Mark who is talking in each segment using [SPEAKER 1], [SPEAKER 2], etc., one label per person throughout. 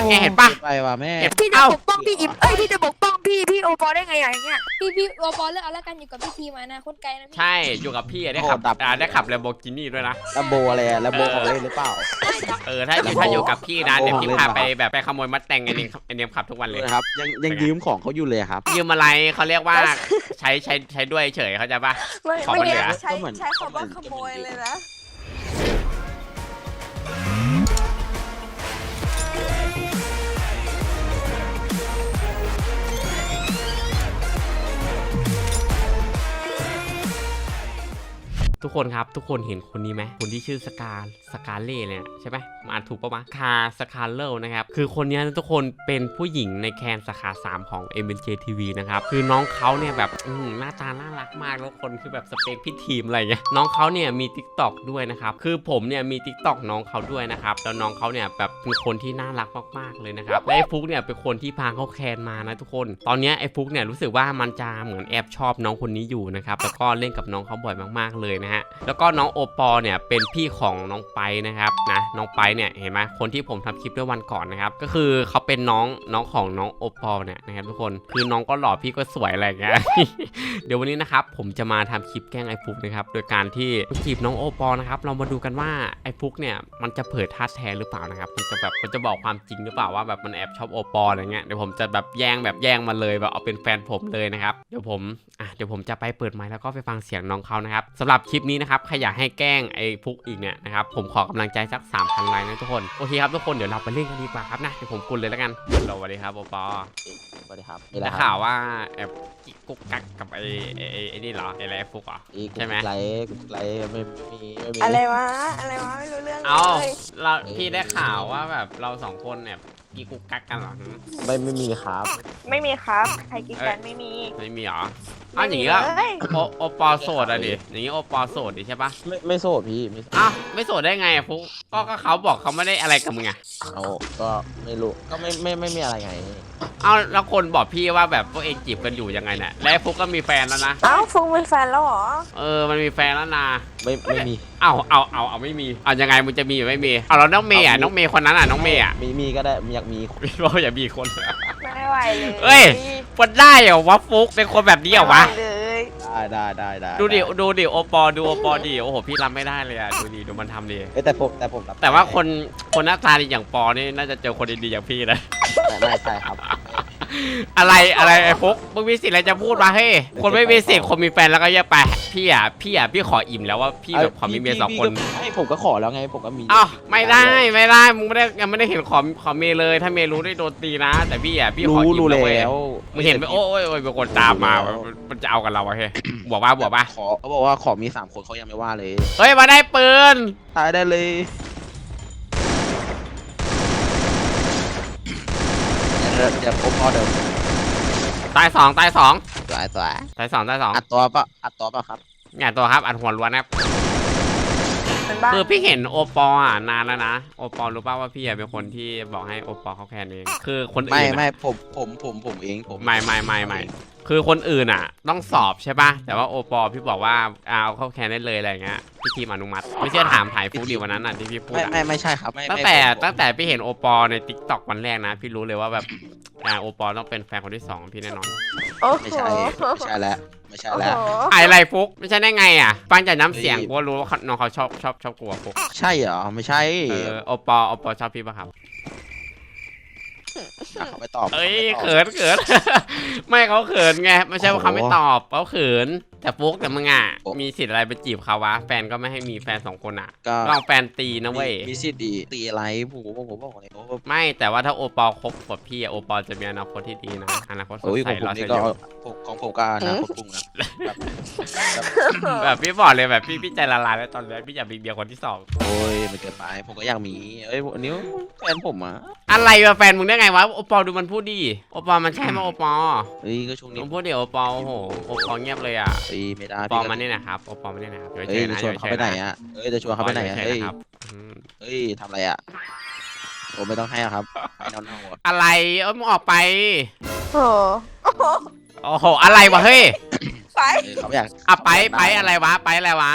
[SPEAKER 1] ไงเห็นปะ
[SPEAKER 2] ไปว่ะแม่
[SPEAKER 3] พี่จะปกป้องพี่อิมพี่จะปกป้องพี่โอปอได้ไงอย่างเงี้ย
[SPEAKER 4] พี่โอปอเลือกเอาแล้วกันอยู่กับพี่ทีมานะโคตรไกลนะพี่
[SPEAKER 1] ใช่อยู่กับพี่ได้ขับได้ขับแลมโบกินี่ด้วยนะ
[SPEAKER 2] ลัมโบอะไรอะลัมโบของเล่นหรือเปล่า
[SPEAKER 1] ถ้าอยู่กับพี่นะเดี๋ยวพี่พาไปแบบไปขโมยมัดแต่งไอเนียมขับทุกวันเลย
[SPEAKER 2] ครับยังยืมของเขาอยู่เลยครับ
[SPEAKER 1] ยืมอะไรเขาเรียกว่าใช้ด้วยเฉยเขาใจปะ ของมันเหลือ
[SPEAKER 3] ใช้คำว่าขโมยเลยนะ
[SPEAKER 1] ทุกคนครับทุกคนเห็นคนนี้ไหมคนที่ชื่อสกาเล่เนี่ยใช่ไหมมาอ่านถูกปะวะสกาเลลนะครับคือคนนี้ทุกคนเป็นผู้หญิงในแคนสาขา3ของ MNJ TV นะครับคือน้องเขาเนี่ยแบบหน้าตาน่ารักมากแล้วคนคือแบบสเปคพี่ทีมอะไรเงี้ยน้องเขาเนี่ยมี TikTok ด้วยนะครับคือผมเนี่ยมี TikTok น้องเขาด้วยนะครับแล้วน้องเขาเนี่ยแบบเป็นคนที่น่ารักมากๆเลยนะครับและไอ้ฟุกเนี่ยเป็นคนที่พาเขาแคนมานะทุกคนตอนนี้ไอ้ฟุกเนี่ยรู้สึกว่ามันจะเหมือนแอบชอบน้องคนนี้อยู่นะครับแล้วก็เล่นกับน้องเขาบ่อยมากๆเลยนะฮะแล้วก็น้องโอปอเนี่ยเป็นพี่ของน้องไปนะครับนะน้องไปเนี่ยเห็นไหมคนที่ผมทำคลิปด้วยวันก่อนนะครับก็คือเขาเป็นน้องของน้องโอปอเนี่ยนะครับทุกคนคือน้องก็หล่อพี่ก็สวยอะไรอย่างเงี้ย เดี๋ยววันนี้นะครับผมจะมาทำคลิปแกล้งไอ้ฟุกนะครับโดยการที่จีบน้องโอปอนะครับเรามาดูกันว่าไอ้ฟุกเนี่ยมันจะเผยท่าแท้หรือเปล่านะครับมันจะบอกความจริงหรือเปล่าว่าแบบมันแอบชอบโอปออะไรเงี้ยเดี๋ยวผมจะแบบแย่งมาเลยแบบเอาเป็นแฟนผมเลยนะครับเดี๋ยวผมจะไปเปิดไมค์แล้วก็ไปฟังเสียงน้องเขานะครับสำหรับคลิปนี้นะครับใครอยากให้แกล้งไอ้ฟุกอีกเนี่ยนะครับผมขอกำลังใจสัก 3,000 ไลค์นะทุกคนโอเคครับทุกคนเดี๋ยวเราไปเล่นกันดีกว่าครับนะเดี๋ยวผมกุนเลยแล้วกันสวัสดีครับโอปอ
[SPEAKER 2] สวัสดีครับ
[SPEAKER 1] ได้ข่าวว่าแอบกุ๊กกักกับไอ้นี่เหรอไอ้ไรฟุกเหรอใช่ไหม
[SPEAKER 2] ไลค์ไม่มี
[SPEAKER 3] อะไรวะไม่รู้เรื่อง
[SPEAKER 1] เอา
[SPEAKER 3] เลย
[SPEAKER 1] พี่ได้ข่าวว่าแบบเราสองคนเนี่ยกีกุ๊กกักกันเหรอ
[SPEAKER 2] ไม่มีครับ
[SPEAKER 3] ไม่มีครับใครกินกันไม่มี
[SPEAKER 1] ไม่มีเหรออ้าวอย่างงี้ก็โอปอโสดอะดิอย่างงี้โอปอโสดดิใช่ปะ
[SPEAKER 2] ไม่โสดพี่ไม่
[SPEAKER 1] อ้าวไม่โสดได้ไงอะฟุกก็เขาบอกเขาไม่ได้อะไรกับมึงไง
[SPEAKER 2] เอาก็ไม่รู้ก็ไม่มีอะไรไง
[SPEAKER 1] เอาแล้วคนบอกพี่ว่าแบบพวกเองจีบกันอยู่ยังไงเนี่ยและฟุกก็มีแฟนแล้วนะ
[SPEAKER 3] เอ้าฟุงเป็นแฟนแล้วเหรอ
[SPEAKER 1] มันมีแฟนแล้วนะ
[SPEAKER 2] ไม่มี
[SPEAKER 1] เอาไม่มีเอายังไงมึงจะมีหรือไม่มีเอาแล้วน้องเมย์อ่ะน้องเมย์คนนั้นอ่ะน้องเมย์อ่ะ
[SPEAKER 2] มีก็ได้อยากมี
[SPEAKER 1] พี่บอกอย่ามีคน
[SPEAKER 3] ไม่ไหวเลย
[SPEAKER 1] เอ้ย มันได้เหรอวะฟุกเป็นคนแบบนี้เหรอวะ
[SPEAKER 3] ไม่ไหเลย
[SPEAKER 2] ได้
[SPEAKER 1] ดูดิโอปอดิโอ้โหพี่รับไม่ได้เลยอ่ะดูมันทำดิ
[SPEAKER 2] แต่ผมรับ
[SPEAKER 1] แต่ว่าคนหน้าตาดีอย่างปอนี่น่าจะเจอคนดีๆอย่างพี่นะ
[SPEAKER 2] ไม่ใช่ครับ
[SPEAKER 1] อะไรไอ้ฟุกมึงมีสิทธิ์อะไรจะพูดมาเฮ้ยคนไม่มีสิทธิ์คนมีแฟนแล้วก็แยกไปพี่ขออิ่มแล้วว่าพี่แบบขอมีเมีย2 คน
[SPEAKER 2] ให้ผมก็ขอแล้วไงผมก็มี
[SPEAKER 1] อ้าวไม่ได้มึงยังไม่ได้เห็นขอเมย์เลยถ้าเมย์รู้ได้โดนตีนะ แต่พี่ขออิ่มแล้วเว้ยมึงเห็นไหมโอ้ยเป็นคนตามมามันจะเอากับเราอะเฮ้ยบอกว่า
[SPEAKER 2] เขาบอกว่าขอมี3 คนเขายังไม่ว่าเลย
[SPEAKER 1] เฮ้ยมาได้ปืน
[SPEAKER 2] ตายได้เลยเดี๋ยวผมพอเดิม
[SPEAKER 1] ตายสอง
[SPEAKER 2] สวย
[SPEAKER 1] ตายสอง
[SPEAKER 2] อัดตัวป่ะครับ
[SPEAKER 1] เนี่ยตัวครับอัดหัวล้วนนะครับ
[SPEAKER 3] เป็นบ้า
[SPEAKER 1] คือพี่เห็นโอปออ่ะนานแล้วนะโอปอรู้ป่าวว่าพี่เป็นคนที่บอกให้โอปอเขาแคนเองคือคนอื่น
[SPEAKER 2] ไม่ผมเองผม
[SPEAKER 1] ไม่คือคนอื่นอ่ะต้องสอบใช่ป่ะแต่ว่าโอปอพี่บอกว่าเอาเข้าแคนได้เลยอะไรเงี้ยพี่ทีมอนุมัติไม่เชื่อถามถ่ายฟุกดิวันนั้นอ่ะที่พี่พูดอ่ะ
[SPEAKER 2] ไม่ใช่ครับ
[SPEAKER 1] ตั้งแต่พี่เห็นโอปอใน TikTok วันแรกนะพี่รู้เลยว่าแบบโอปอต้องเป็นแฟนคนที่2พี่แน่นอน
[SPEAKER 3] โอ้โห
[SPEAKER 2] ไม่ใช่แล้วไม่ใช่แล้ว
[SPEAKER 1] อะไรฟุกไม่ใช่ได้ไงอ่ะฟังจากน้ำเสียงกูรู้ว่าน้องเขาชอบกลัวฟุก
[SPEAKER 2] ใช่เหรอไม่ใช่
[SPEAKER 1] โอปอชอบพี่ป่ะครับ
[SPEAKER 2] เขาไม่ตอบ
[SPEAKER 1] เอ้ยเขิน ไม่เขาเขินไงไม่ใช่ว่าเขาไม่ตอบเขาเขินแต่ฟุกแต่มึงอ่ะมีสิทธิ์อะไรไปจีบเขาวะแฟนก็ไม่ให้มีแฟน2 คนอ่ะลองแฟนตีนะเว้ย
[SPEAKER 2] มีสิทธิ์ตีอะไรผมบอกเลย
[SPEAKER 1] ไม่แต่ว่าถ้าโอปอคบกับพี่โอปอจะมีอนาคตที่ดีนะอนาคตสด
[SPEAKER 2] โอ้ย
[SPEAKER 1] ใส
[SPEAKER 2] ของผม
[SPEAKER 1] รอ
[SPEAKER 2] นี่
[SPEAKER 1] เฉ
[SPEAKER 2] ก็
[SPEAKER 1] ย
[SPEAKER 2] ของผมก็นะคนพุ่งนะ
[SPEAKER 1] แบบพี่บอกเลยแบบพี่ใจละลายแล้วตอนนี้พี่อยากมีเมียคนที่2
[SPEAKER 2] โอ้ยมันเกินไปผมก็อยากมีเอ้ยอันนี้แฟนผมอ่ะ
[SPEAKER 1] อะไรวะแฟนมึงได้ไงวะโอปอดูมันพูดดิโอปอมันใช่ไหมโอปอ
[SPEAKER 2] เฮ้ยก็ช่วงนี้
[SPEAKER 1] มึงพูดดิโอปอโอ้โหโอปอเงียบเลยอ่ะ
[SPEAKER 2] เฮ้ยไม่ได้
[SPEAKER 1] โอปอมันนี่นะครับโอปอมันนี่นะครับ
[SPEAKER 2] เฮ้ยจะชวนเขาไปไหนอ่ะเฮ้ยจะชวนเขาไปไหนอ่ะเฮ้ย เฮ้ยทำอะไรอ่ะโอ้ไม่ต้องให้ครับให้น้องๆ
[SPEAKER 1] อะไรมึงออกไป
[SPEAKER 3] โอ้โห
[SPEAKER 1] โอ้โหอะไรวะเฮ้ย
[SPEAKER 3] ไป
[SPEAKER 2] เขาอยาก
[SPEAKER 1] ไปอะไรวะไปอะไรวะ
[SPEAKER 2] ไ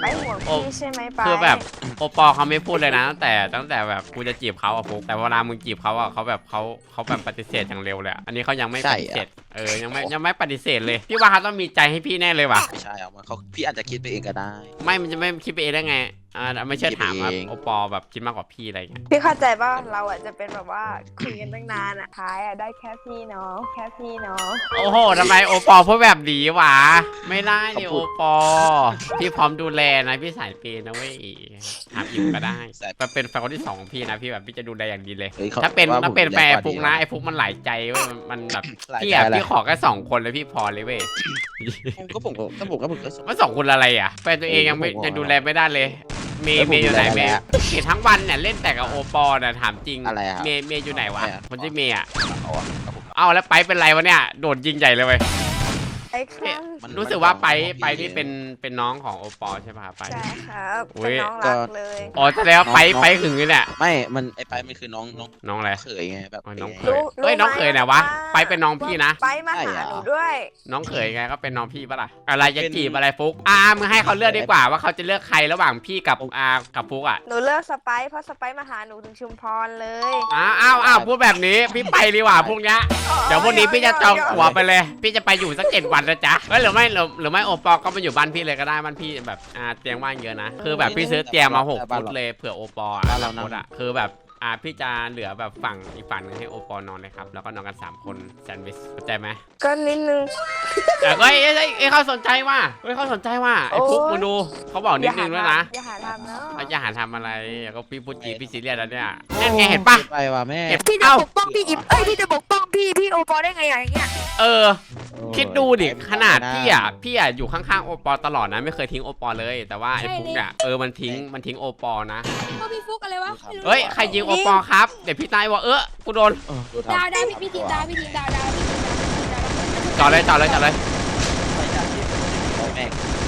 [SPEAKER 3] ไปห่วงพี่ใช่ไหมไป
[SPEAKER 1] คือแบบโอปอเขาไม่พูดเลยนะตั้งแต่แบบกูจะจีบเขาอะฟุกแต่เวลามึงจีบเขาอะเขาแบบปฏิเสธอย่างเร็วเลยอะอันนี้เขายังไม่ปฏิเสธยังไม่ปฏิเสธเลยพี่ว่าเขาต้องมีใจให้พี่แน่เลยว่ะ
[SPEAKER 2] ไม่ใช่เอามาเขาพี่อาจจะคิดไปเองก็ได้
[SPEAKER 1] มันจะไม่คิดไปเองได้ไงไม่เชื่อถามว่า
[SPEAKER 2] คิดไปเอง
[SPEAKER 1] โอปอแบบคิดมากกว่าพี่อะไรเงี้ย
[SPEAKER 3] พี่เข้าใจป่ะเราอ่ะจะเป็นแบบว่าคุยกันตั้งนานอ่ะท้ายอ่ะได้แค่พี่น้องแค่พี่น้อง
[SPEAKER 1] โอ้โหทำไมโอปอพูดแบบนี้วะไม่ได้ดิโอปอพี่พร้อมดูแลนะพี่สายเปย์นะเว้ยถามอิ่มก็ได้แต่เป็นแฟนคนที่สองของพี่นะพี่แบบพี่จะดูแลอย่างดีเลย
[SPEAKER 2] ฮ้ยข
[SPEAKER 1] ถ้าเป็น
[SPEAKER 2] ว่ผม
[SPEAKER 1] แฟน
[SPEAKER 2] แรงกว่า
[SPEAKER 1] ฟุก
[SPEAKER 2] ดี
[SPEAKER 1] นะไอ้ฟุกมันหลายใจเว้ยมันแบบ
[SPEAKER 2] หลาย
[SPEAKER 1] พี่
[SPEAKER 2] ใจ
[SPEAKER 1] อะ
[SPEAKER 2] อะไร
[SPEAKER 1] พี่ขอแค่2 คนเลยพี่พอเลยเว้ย
[SPEAKER 2] ผมก็สง
[SPEAKER 1] มัน2 คนอะไรอ่ะแฟนตัวเองยังดูแลไม่ได้เลยเมย์
[SPEAKER 2] เอ้ยผม
[SPEAKER 1] อยู่ไหน
[SPEAKER 2] ดูแล
[SPEAKER 1] เมย์
[SPEAKER 2] แล้ว
[SPEAKER 1] เมย์ทั้งวันเนี่ยเล่นแต่กับโอปอน่ะถามจริง
[SPEAKER 2] อะไรอะ
[SPEAKER 1] เมย์อยู่ไหนวะ
[SPEAKER 2] ไม่อะ
[SPEAKER 1] คนชื่อเมย์อะ
[SPEAKER 2] เอาอะครับผม
[SPEAKER 1] เอาแล้วไปเป็นไรวะเนี่ยโดดยิงใหญ่เลยเว้ย
[SPEAKER 3] ไอ้ครับ
[SPEAKER 2] มัน
[SPEAKER 1] รู้สึกว่าไป
[SPEAKER 2] มัน
[SPEAKER 1] นี่เป็นน้องของโอปอใช่ป่ะไป
[SPEAKER 3] ใช่ครับ
[SPEAKER 1] อุ๊
[SPEAKER 3] เป็น
[SPEAKER 1] ย
[SPEAKER 3] น้องรักเลย
[SPEAKER 1] อ๋อแสดงว่าไปหึงเลยเนี่ย
[SPEAKER 2] ไม่มันไอ้ไปมันคือน้อง
[SPEAKER 1] น้องอะไร
[SPEAKER 2] เขยไงแบบ
[SPEAKER 1] อ๋อน้องเข
[SPEAKER 2] ไ
[SPEAKER 1] ยเอ้ยน้องเขยไหนวะไปเป็นน้องพี่นะ
[SPEAKER 3] ไปมา
[SPEAKER 2] ใช่
[SPEAKER 3] หา
[SPEAKER 2] เหรอ
[SPEAKER 3] หนูด้วย
[SPEAKER 1] น้องเขยไงก็เป็นน้องพี่ปะล่ะอะไรจะจีบอะไรฟุกมึงให้เขาเลือกดีกว่าว่าเขาจะเลือกใครระหว่างพี่กับกับฟุกอ่ะ
[SPEAKER 3] หนูเลิกสไปซ์เพราะสไปซ์มาหาหนูถึงชุมพรเลย
[SPEAKER 1] อ้าวพูดแบบนี้พี่ไปดีกว่าพรุ่งนี้เดี๋ยวพรุ่งนี้พี่จะจองตั๋วไปเลย พี่จะไปอยู่สัก7 วันนะจ๊ะเฮ้ยหรือไม่โอปอก็มาอยู่บ้านพี่เลยก็ได้บ้านพี่แบบเตียงว่างเยอะนะคือแบบพี่ซื้อเตียงมา6 ฟุตเลยเผื่อโอปอคือแบบพี่จะเหลือแบบฝั่งอีกฝั่งนึงให้โอปอนอนเลยครับแล้วก็นอนกัน3 คนแซนด์วิชเข้าใจไหม
[SPEAKER 3] ก็นิดนึง
[SPEAKER 1] แต่ก็เขาสนใจว่าเขาสนใจว่าไอ้ฟุกมึงดูเขาบอกนิดนึงด้วยนะ
[SPEAKER 3] อย่าหาทำเนาะ
[SPEAKER 1] อย่าหาทำอะไรก็พี่พูดจริงพี่ซีเรียสแล้วเนี่ยนั่นไงเห็นปะ
[SPEAKER 2] ไปว่ะแม่
[SPEAKER 3] พี่จะปกป้องพี่อิมพี่จะปกป้องพี่โอปอได้ไงอย่างเงี้ย
[SPEAKER 1] คิดดูดิขนาดพี่อยู่ข้างๆโอปอตลอดนะไม่เคยทิ้งโอปอเลยแต่ว่าไอ้ฟุกเนี่ยมันทิ้งโอปอนะ
[SPEAKER 4] ก็พี่ฟุกอะไรวะไม่รู้
[SPEAKER 1] เฮ้ยใครยิงโอปอครับเดี๋ยวพี่ตายว่ากูโดน
[SPEAKER 2] ดูทำ
[SPEAKER 4] ดาวพี่ทีมดาวพี่ทีมดาวพี่ทีมดาว
[SPEAKER 1] จอดเลย
[SPEAKER 2] ไปจากที่ผมแม่ง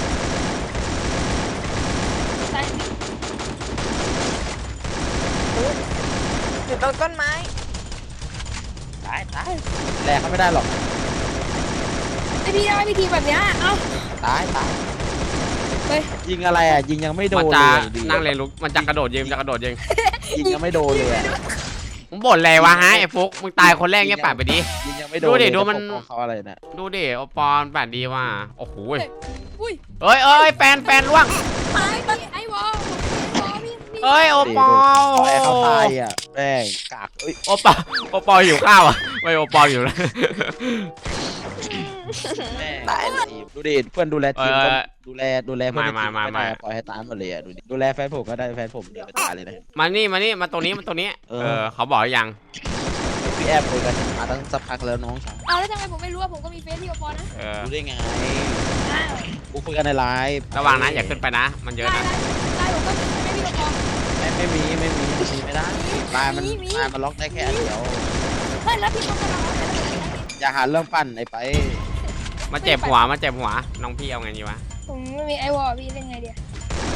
[SPEAKER 4] ใช่
[SPEAKER 3] อยู่ตรงต้นไม้
[SPEAKER 2] ตายแรงเขาไม่ได้หรอก
[SPEAKER 4] ไอพี่ได้พี่ทีมแบบเนี้ยเอ้า
[SPEAKER 2] ตาย
[SPEAKER 4] เฮ้ย
[SPEAKER 2] ยิงอะไรอ่ะยิงยังไม่โด
[SPEAKER 1] มัน
[SPEAKER 2] น
[SPEAKER 1] จะ
[SPEAKER 2] เลยดี
[SPEAKER 1] นั่งเรียนรู้มันจะกระโดดยิง
[SPEAKER 2] ยิงยังไม่โดนเลยอะ
[SPEAKER 1] มึงบ่นอะไรวะฮะไอ้ฟุกมึงตายคนแรกเงี้ยป่าดไปดิ
[SPEAKER 2] ยิงยังไม่โดน
[SPEAKER 1] ดูดิ
[SPEAKER 2] เลย
[SPEAKER 1] ดูมัน
[SPEAKER 2] จะปกป้องเขาอะไรเนี่ย
[SPEAKER 1] ดูดิโอปอนป่าดดีว่ะโอ้โห
[SPEAKER 4] อุ้ย
[SPEAKER 1] เอ้ยแฟนล่วง
[SPEAKER 4] ตายไอ้วอพี่
[SPEAKER 1] เอ้ยโอปอ
[SPEAKER 2] ปล่อยให้เขาตายอ่ะแม่งกากเอ้ย
[SPEAKER 1] โอปอหิวข้าวอ่ะไม่โอปออยู่แล้ว
[SPEAKER 2] แม่งทีมดูดิเพื่อนดูแลทีมก็ดูแลเพื่อนในทีมไม่ได้ปล่อยให้ตายหมดเลยอ่ะดูแลแฟนผมก็ได้แฟนผมเดือดไปตายเลยนะ
[SPEAKER 1] มานี่มาตรงนี้เขาบอกยัง
[SPEAKER 2] พี่แอบคุยกันมาตั้งสักพักแล้วน้องชาย
[SPEAKER 4] เอาแล้วทำไมผมไม่รู้ว่าผมก็มีเฟซที่โอปอนะ
[SPEAKER 2] รู้ได้ไง
[SPEAKER 4] อ้าว
[SPEAKER 2] กูคุยกันในไลน์
[SPEAKER 1] ระวังนะอย่าขึ้นไปนะ มันเยอะ
[SPEAKER 4] ได้
[SPEAKER 1] นะ
[SPEAKER 4] ได้ผมก็มีไม่พี่โอปอ
[SPEAKER 2] ไม่มีไม่ได้ไลน์มันล็อกได้แค่อันเดียว
[SPEAKER 4] เฮ้ยแล้วพี่เขากำลังอะไร
[SPEAKER 2] อย่าหาเรื่องปั่นไอ้ไป
[SPEAKER 1] มาเจ็บหัวน้องพี่เอาไงดีวะ
[SPEAKER 4] ผมไม่มีไอวอพี่เล่นไงเดียว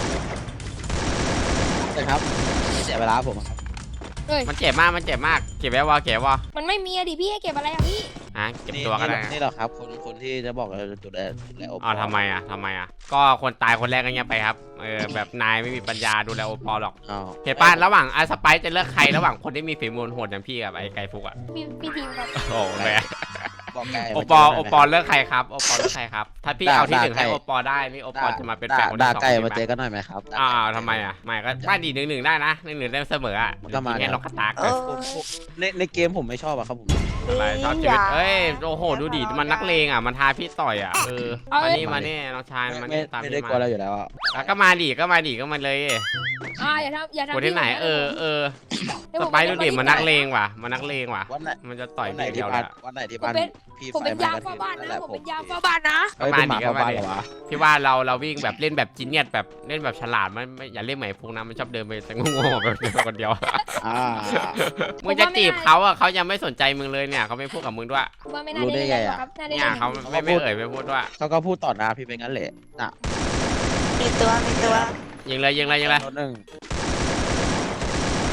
[SPEAKER 2] นะครับเสียเวลาผมครับ
[SPEAKER 1] มันเจ็บมากเก็บไว้วะ
[SPEAKER 4] มันไม่มีอะดิพี่ให้เก็บอะไรอะพี่
[SPEAKER 1] เก็บตัวก็ได้
[SPEAKER 2] นี่เหรอครับคนที่จะบอกจุดแรกโอปอ
[SPEAKER 1] ทำไมก็คนตายคนแรกก็เงี้ยไปครับแบบนายไม่มีปัญญาดูแลโอปอหรอกเห็นป่ะระหว่างสไปซ์จะเลือกใครระหว่างคนที่มีฝีมือโหดอย่างพี่กับไอ้ไก่ฟุกอ่ะ
[SPEAKER 4] พี่ทีมครับ
[SPEAKER 1] โอ้แม่
[SPEAKER 2] บอกไกล
[SPEAKER 1] โอปอเลือกใครครับถ้าพี่เอาที่1ให้โอปอได้นี่โอปอจะมาเป็นแฟนคน
[SPEAKER 2] ด่า
[SPEAKER 1] ที่2
[SPEAKER 2] ไก่มาเจอกันหน่อยไหมครับ
[SPEAKER 1] ทำไมไม่ก็ได้ดี1-1ได้นะ1-1ได้เสมออ่ะ
[SPEAKER 2] ก็มา
[SPEAKER 1] แค่ล็อกกระตาก
[SPEAKER 2] ในเกมผมไม่ชอบอะครับผม
[SPEAKER 1] อะไรชอบชีวิตโอ้โหดูดิมันนักเลงอ่ะมันท้าพี่ต่อยอ่ะมานี่น้องชายมันนี่ตาม
[SPEAKER 2] ไม่
[SPEAKER 1] พี่
[SPEAKER 2] ได้กลัวอะไรอยู่แล้วอะ
[SPEAKER 1] ก็มาดิก็มาเลย
[SPEAKER 4] อย่าทำ
[SPEAKER 1] คนที่ไหนสไปดูดิมันนักเลงว่ะมันจะต่อย
[SPEAKER 2] วันไหน
[SPEAKER 1] พี่
[SPEAKER 2] ที่
[SPEAKER 1] เดียว
[SPEAKER 2] บ้าน
[SPEAKER 1] เลย
[SPEAKER 2] วันไหนที่บ้านพี่
[SPEAKER 4] ผมเป็น
[SPEAKER 2] ไฟ
[SPEAKER 4] ยาม
[SPEAKER 2] กระ
[SPEAKER 4] เฝ้า
[SPEAKER 2] ทืบ
[SPEAKER 4] บ้าน
[SPEAKER 2] นั่น
[SPEAKER 4] นะ
[SPEAKER 2] แหละ
[SPEAKER 4] ผมเป็นยามเฝ้าบ้านนะ
[SPEAKER 2] เฮ้ยเป็นหมาเข้าบ้านเหรอวะ
[SPEAKER 1] พี่ว่าเราวิ่งแบบเล่นแบบจีเนียสแบบเล่นแบบฉลาดมันอย่าเล่นเหมือนพวกนั้นมันชอบเดินไปแต่งงๆแบบคนเดียว มึงจะจีบเขาอ่ะเขายังไม่สนใจมึงเลยเนี่ยเขาไม่พูดกับมึงด้วย
[SPEAKER 4] ว่าไม่น่าได้เล่นครับน่าได้
[SPEAKER 1] เนี่ย
[SPEAKER 4] เล่น
[SPEAKER 1] เขาไม่ไม่พูดด้วย
[SPEAKER 2] เขาก็พูดต่อหน้าพี่เป็นงั้นแหละน่ะ
[SPEAKER 3] มีตัว
[SPEAKER 1] ยิงเลย
[SPEAKER 2] โดนหนึ่งตาย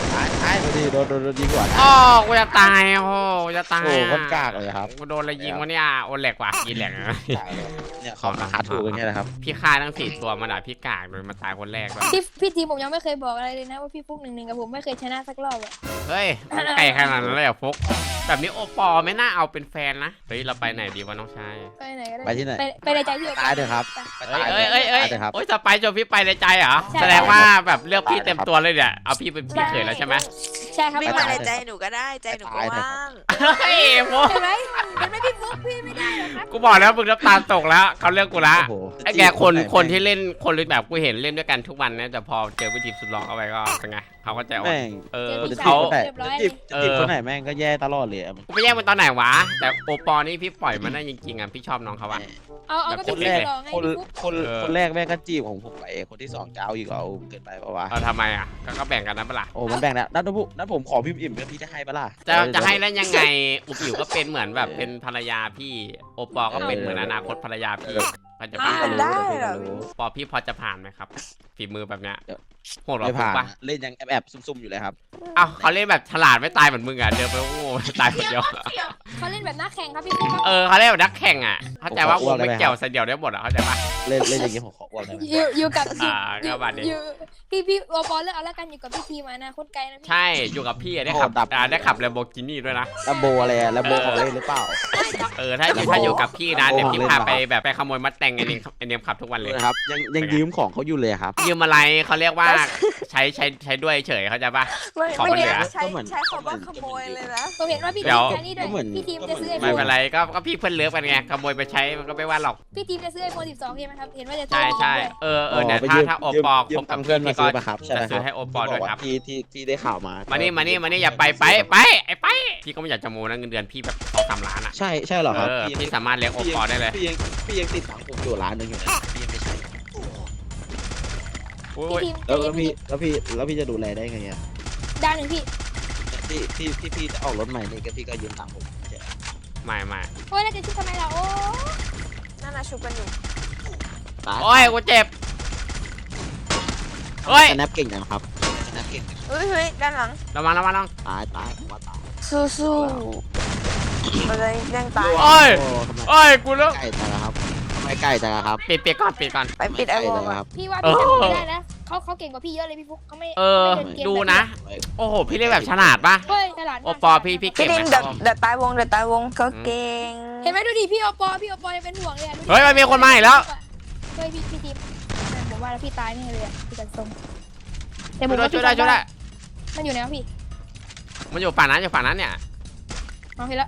[SPEAKER 2] ช่พอดีโดนยิงก่อน
[SPEAKER 1] อ๋อกูจะตายโอ้กูจะตาย
[SPEAKER 2] โอ้คนกากเลยครับ
[SPEAKER 1] กูโดนอะไรยิงวะเนี่ยโอแหลกว่ะยิงแหลก
[SPEAKER 2] เนี่ยของราคาถูกกันแค่นะครับ
[SPEAKER 1] พี่ฆ่าทั้ง4ตัวมันด่าพี่กากโดยมาตายคนแรกด้วย
[SPEAKER 4] พี่ทีผมยังไม่เคยบอกอะไรเลยนะว่าพี่ฟุก1-1กับผมไม่เคยชนะสักรอบอะ
[SPEAKER 1] เฮ้ยไก่ขนาดนั้นเลยเหรอฟุกแบบนี้โอปอไม่น่าเอาเป็นแฟนนะเฮ้ยเราไปไหนดีวะน้องชาย
[SPEAKER 4] ไปไหนก็ได้
[SPEAKER 2] ไปที่ไหน
[SPEAKER 4] ไปในใจพี่
[SPEAKER 2] ตายเถอะครับ
[SPEAKER 1] เอ้ย
[SPEAKER 2] เถอะครับ
[SPEAKER 1] โอ้ยจะไปจนพี่ไปในใจเหรอแสดงว่าแบบเลือกพี่เต็มตัวเลยเนี่ยเอาพี่เป็นพี่เขยแล้วใช่ไหม
[SPEAKER 4] ใช่ครับ
[SPEAKER 3] วิ่งมาในใจหนูก็ได้ใจหนูก็ว่าง
[SPEAKER 1] เฮ้ยฟุก
[SPEAKER 4] เห็นไหมพี่ฟุกพี่ไม่ได้หรอกครับ
[SPEAKER 1] กูบอกแล้วมึงน้ำตาตกแล้วเขาเลือกกูละ
[SPEAKER 2] โอ้โห
[SPEAKER 1] ไอ้แกคนที่เล่นคนแบบกูเห็นเล่นด้วยกันทุกวันนะแต่พอเจอวิธีสุดหลอกเข้าไปก็เป็นไงเขาก็ใจอ่อน
[SPEAKER 2] แม่ง
[SPEAKER 1] เออ
[SPEAKER 2] จะ
[SPEAKER 1] เขา
[SPEAKER 2] จีบคนไหนแม่งก็แย่ตลอดเลย
[SPEAKER 1] กูไปแย่งมันตอนไหนวะแต่โอปอนี่พี่ปล่อยมันได้จริงๆอ่ะพี่ชอบน้องเขาอะ
[SPEAKER 4] เอาก็
[SPEAKER 2] คน
[SPEAKER 4] พี่
[SPEAKER 2] แร
[SPEAKER 4] ที
[SPEAKER 2] ก
[SPEAKER 4] หลอกไง
[SPEAKER 2] คน
[SPEAKER 4] พี่ฟุก
[SPEAKER 2] คนแรกแม่งก็จีบของผมไปคนที่2จะเอาอีกเอาเกินไปปะวะ
[SPEAKER 1] เอาทำไมอ่ะก็แบ่งกันนะเปะล่า
[SPEAKER 2] โอ้มันแบ่งแล้วนั่นผมขอพิมพ์อิ่มแล้วพี่จะให้ปะล่ะ
[SPEAKER 1] จะให้แล้วยังไงอุบอิ๋วก็เป็นเหมือนแบบเป็นภรรยาพี่โอปอก็เป็นเหมือนอนาคตภรรยาพี่ก็จะ
[SPEAKER 3] อ้าวได้เหรอ
[SPEAKER 1] ปอพี่พอจะผ่านไหมครับฝีมือแบบเนี้ยโหดหรอ
[SPEAKER 2] ไม่
[SPEAKER 1] ฟุก
[SPEAKER 2] ผ่าน
[SPEAKER 1] ปะ
[SPEAKER 2] เล่นยังแอบซุ่มๆอยู่เลยครับ
[SPEAKER 1] เอ้าเขาเล่นแบบฉลาดไม่ตายเหมือนมึงอ่ะเดินไปโง่ตายคนเดียว
[SPEAKER 4] เขาเล่นแบบนักแข่งครับพี่ฟุกครับ
[SPEAKER 1] เออเขาเล่นแบบนักแข่งอ่ะเข้าใจว่ากูไม่เกี่ยวใส่เดียวได้หมดอ่ะเข้าใจปะ
[SPEAKER 2] เล่นอย่างงี้ผมขออ้วนได้ไหม
[SPEAKER 4] อยู่กับ
[SPEAKER 1] ก็บาดเจ็บ
[SPEAKER 4] พี่โอปอลเลือกเอาแล้วกันอยู่กับพี่ทีมานะโคตรไกลนะพี่
[SPEAKER 1] ใช่อยู่กับพี่ได้ขับได้ขับแลมโบกินี่ด้วยนะ
[SPEAKER 2] ลัมโบอะไรอะลัมโบของเล่นหรือเปล่า
[SPEAKER 1] เออถ้าอยู่กับพี่นะเดี๋ยวพี่พาไปแบบไปขโมยมัดแต่งไอเนมขับทุกวันเลย
[SPEAKER 2] นะครับยังยืมของเขาอยู่เลยครับ
[SPEAKER 1] ยืมอะไรเขาเรียกว่าใช้ด้วยเฉยเขาใจปะ
[SPEAKER 3] ไม่
[SPEAKER 1] ขอ
[SPEAKER 3] ไม่
[SPEAKER 1] มันเหลื
[SPEAKER 3] ได้
[SPEAKER 1] อ
[SPEAKER 3] ใช้คำว่าขโมยเลยนะ
[SPEAKER 4] ผมเห็นว่าพี่
[SPEAKER 1] เดี๋
[SPEAKER 4] ที
[SPEAKER 1] ยว
[SPEAKER 4] มจะนี่ด้วยพี่ทีมจะซื้อไอโฟ
[SPEAKER 1] ไม่
[SPEAKER 4] น
[SPEAKER 1] เป็นไรก็พี่เพื่อนเลิฟกันไงขโมยไปใช้มันก็ไม่ว่าหรอก
[SPEAKER 4] พี่ทีมจะซื้อไอโฟน12ใช่ไหมครับเห็นว่าจะซื้
[SPEAKER 1] ใช่
[SPEAKER 4] อ
[SPEAKER 1] เออเนี่ยถ้าโอปอคบกับ
[SPEAKER 2] เพื่อนมา
[SPEAKER 1] พี่ก็
[SPEAKER 2] ซื้อปะครับใช่ไหม
[SPEAKER 1] จะ
[SPEAKER 2] ค
[SPEAKER 1] ซื้
[SPEAKER 2] รั
[SPEAKER 1] อบ ให้โอปอด้วยครับ
[SPEAKER 2] ที่ได้ข่าวมา
[SPEAKER 1] มานี่อย่าไปไอ้ไปพี่ก็ไม่อยากจะโมนะเงินเดือนพี่แบบ2-3 ล้านอ่ะ
[SPEAKER 2] ใช่เหรอครับ
[SPEAKER 1] พี่สามารถเลี้ยงโอปอได้เลย
[SPEAKER 2] พี่ยังติดตังค์ผมอยู่ล้านนึงอยู่นะพี่ยังไม่ใช่
[SPEAKER 4] พี่ทีม
[SPEAKER 2] แล้วพี่จะดูแลได้ไงอ่ะ
[SPEAKER 4] ด้านหนึ่งพี่
[SPEAKER 2] พี่จะออกรถใหม่นี่ก็พี่ก็ยืมตังค์ผมใช่
[SPEAKER 1] ไม่
[SPEAKER 4] โอ้ยแล้วจะชุบทำไมล่ะโอ้
[SPEAKER 3] นั่นน่ะชุบกันอยู่
[SPEAKER 1] โอ้ยกูเจ็บเฮ้ย
[SPEAKER 2] สแนปเก่งจังครับสแนปเก่ง
[SPEAKER 3] เฮ้ยด้านหลัง
[SPEAKER 1] ระวัง
[SPEAKER 2] ตายผมว่าตาย
[SPEAKER 3] สู้ๆเราจะยังตาย
[SPEAKER 1] โอ้ย
[SPEAKER 2] ทำไม
[SPEAKER 1] โอ้ยกูเลิก
[SPEAKER 2] ใกล้จังครับทำไมใกล้จังครับ
[SPEAKER 1] ปิดก่อน
[SPEAKER 3] ไปปิดไอวอล
[SPEAKER 2] ครับ
[SPEAKER 4] พี่ว่าพี่ทำไม่ได้นะเขาเก่งกว่าพี่เยอะเลยพี่ฟุกเขาไม่
[SPEAKER 1] เออ
[SPEAKER 4] ไม่เนเกม
[SPEAKER 1] ดูนะ โอ้โหพี่เล่นแบบฉลาดปะ
[SPEAKER 4] เฮ้ยฉลาดมาก
[SPEAKER 1] โอปอพี่
[SPEAKER 3] พี่
[SPEAKER 1] เก่ง
[SPEAKER 3] ดิ
[SPEAKER 1] ไห
[SPEAKER 3] ง
[SPEAKER 1] ม
[SPEAKER 3] เดี๋ยวตายวงเขาเก่ง
[SPEAKER 4] เห็นไหมดูดิพี่โอปอยังเป็นห่วงเลยอะดูดิ
[SPEAKER 1] เฮ้ยมันมีคนมาอีกแล้ว
[SPEAKER 4] เฮ้ยพี่ทีมผมว่าแล้วพี่ตายแน่เลยอะพี่กันทรงแต่ผ
[SPEAKER 1] ช่
[SPEAKER 4] มว่า
[SPEAKER 1] วยได้
[SPEAKER 4] มันอยู่ไหนวะพี่
[SPEAKER 1] มันอยู่ฝั่งนั้นเนี่ย
[SPEAKER 4] เอาเห็นแล้ว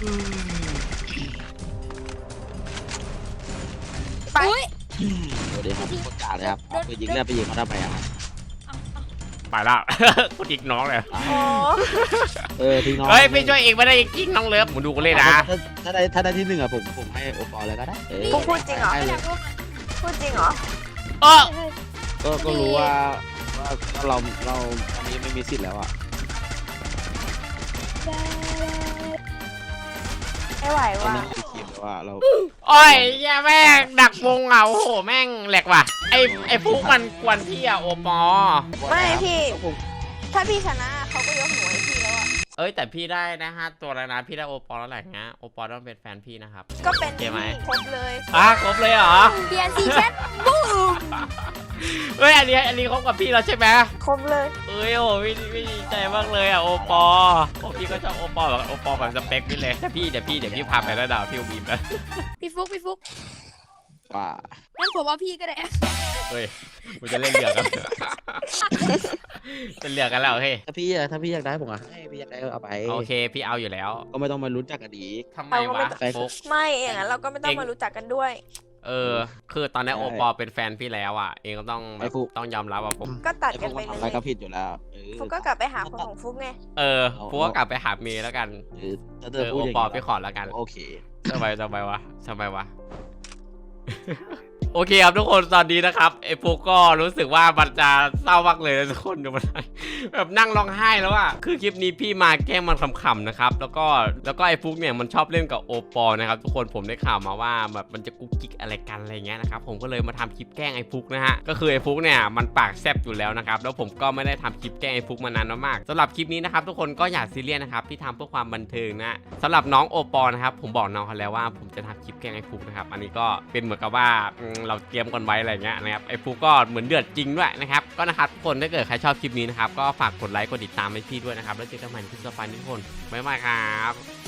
[SPEAKER 3] ไป
[SPEAKER 4] อุ้ย
[SPEAKER 2] สวัสดีครับโคตรกาเลยครับไปยิงเนี่ยไปยิงเขาทำไมอ่ะ
[SPEAKER 1] ไปแล้ว กูจิกน้องเลย
[SPEAKER 3] โอ้
[SPEAKER 2] ทิ้งน้อง
[SPEAKER 1] เฮ้ยพี่ช่วยเองไม่ได้จริงน้องเลิฟมึงดูกูเล่นนะ
[SPEAKER 2] ถ้าได้ที่1อ่ะผมให้โอปอลเลยก็ได้
[SPEAKER 3] พวกพูดจริงเหรอ
[SPEAKER 4] ไม่อยากรู้
[SPEAKER 3] พูดจริงเหรอ
[SPEAKER 1] เออ
[SPEAKER 4] เฮ้ย
[SPEAKER 2] ก็รู้ว่าเราตอนนี้ไม่มีสิทธิ์แล้วอ่ะ
[SPEAKER 3] ไม่ไหว
[SPEAKER 2] ตอน
[SPEAKER 3] ว่ะ
[SPEAKER 2] นี้มีทีมแล้วว่าเรา
[SPEAKER 1] โอ้ยแย่แม่งดักวงอ่ะโอ้โหแม่งแหลกว่ะไอ้ฟุกมันกวนพี่อะโอปอ
[SPEAKER 3] ไม่พี่ ถ้าพี่ชนะเขาก็ยกหนูให้พี่แล้วอ่ะ
[SPEAKER 1] เอ้ยแต่พี่ได้นะ5 ตัวแล้วนะพี่ได้โอปอแล้วแหละนะโอปอต้องเป็นแฟนพี่นะครับ
[SPEAKER 3] ก็เป็น
[SPEAKER 1] เกมไหม
[SPEAKER 3] ครบเลย
[SPEAKER 1] ครบเลยเหรอ
[SPEAKER 4] เปลี่ยนสีแชทบูม
[SPEAKER 1] เฮ้ยอันนี้คบกับพี่แล้วใช่ไหม
[SPEAKER 3] ครบเลย
[SPEAKER 1] เอ้ยโอ้พี่ดีใจมากเลยอ่ะโอปอพี่ก็ชอบโอปอแบบโอปอแบบสเปคพี่เลยแต่พี่เดี๋ยวพี่พาไปแล้วดาวพี่บีมนะ
[SPEAKER 4] พี่ฟุก
[SPEAKER 2] ว่า
[SPEAKER 4] งั้นผมเอาพี่ก็ได้
[SPEAKER 1] เฮ้ยกูจะเล่นเหลือกันเป็นเหลือกันแล้วเฮ้ย
[SPEAKER 2] ถ้าพี่อยากได้ผมอ่ะให้พี่อยากได้ก็เอาไป
[SPEAKER 1] โอเคพี่เอาอยู่แล้ว
[SPEAKER 2] ก็ไม่ต้องมารู้จักกันดี
[SPEAKER 1] ทำไมวะฟุก
[SPEAKER 3] ไม่อย่างนั้นเราก็ไม่ต้องมารู้จักกันด้วย
[SPEAKER 1] คือตอนนี้โอปอเป็นแฟนพี่แล้วอ่ะเองก็ต้องต้องยอมรับว่าผม
[SPEAKER 3] ก็ตัด
[SPEAKER 2] ไอ้พ
[SPEAKER 3] กั
[SPEAKER 2] วน ก
[SPEAKER 3] ไป
[SPEAKER 2] มัน
[SPEAKER 3] เล
[SPEAKER 2] ทำอะไร
[SPEAKER 3] ย
[SPEAKER 2] ก็ผิดอยู่แล้ว
[SPEAKER 3] ฟุกก็กลับไปหาคนของฟุกไง
[SPEAKER 1] ฟุกก็กลับไปหาเมย์แล้วกัน
[SPEAKER 2] ถ้าเธอพูด
[SPEAKER 1] โอ
[SPEAKER 2] อย่าง
[SPEAKER 1] ปอ
[SPEAKER 2] นี้
[SPEAKER 1] พี่ขอแล้วกัน
[SPEAKER 2] โอเค
[SPEAKER 1] ทำไมวะโอเคครับทุกคนตอนนี้นะครับไอ้ฟุกก็รู้สึกว่ามันจะเศร้ามากเลยนะทุกคนดูมันแบบนั่งร้องไห้แล้วอะคือคลิปนี้พี่มาแกล้งมันขำๆนะครับแล้วก็ไอ้ฟุกเนี่ยมันชอบเล่นกับโอปอลนะครับทุกคนผมได้ข่าวมาว่าแบบมันจะกุ๊กกิ๊กอะไรกันอะไรเงี้ยนะครับผมก็เลยมาทำคลิปแกล้งไอ้ฟุกนะฮะก็คือไอ้ฟุกเนี่ยมันปากแซบอยู่แล้วนะครับแล้วผมก็ไม่ได้ทำคลิปแกล้งไอ้ฟุกมานานมากสำหรับคลิปนี้นะครับทุกคนก็อย่าซีเรียสนะครับพี่ทำเพื่อความบันเทิงนะสำหรับน้องโอปอลนะครับผมบอกน้องเขาแล้วว่าผมจะทำคลิปแกล้งไอ้ฟุกนะครับอันนี้ก็เป็นเหมือนกับว่าเราเตรียมกันไว้อะไรเงี้ยนะครับไอ้ฟุกก็เหมือนเดือดจริงด้วยนะครับก็นะครับทุกคนถ้าเกิดใครชอบคลิปนี้นะครับก็ฝากกดไลค์กดติดตามให้พี่ด้วยนะครับแล้วเจอกันใหม่คลิปต่อไปทุกคนบ๊ายบายครับ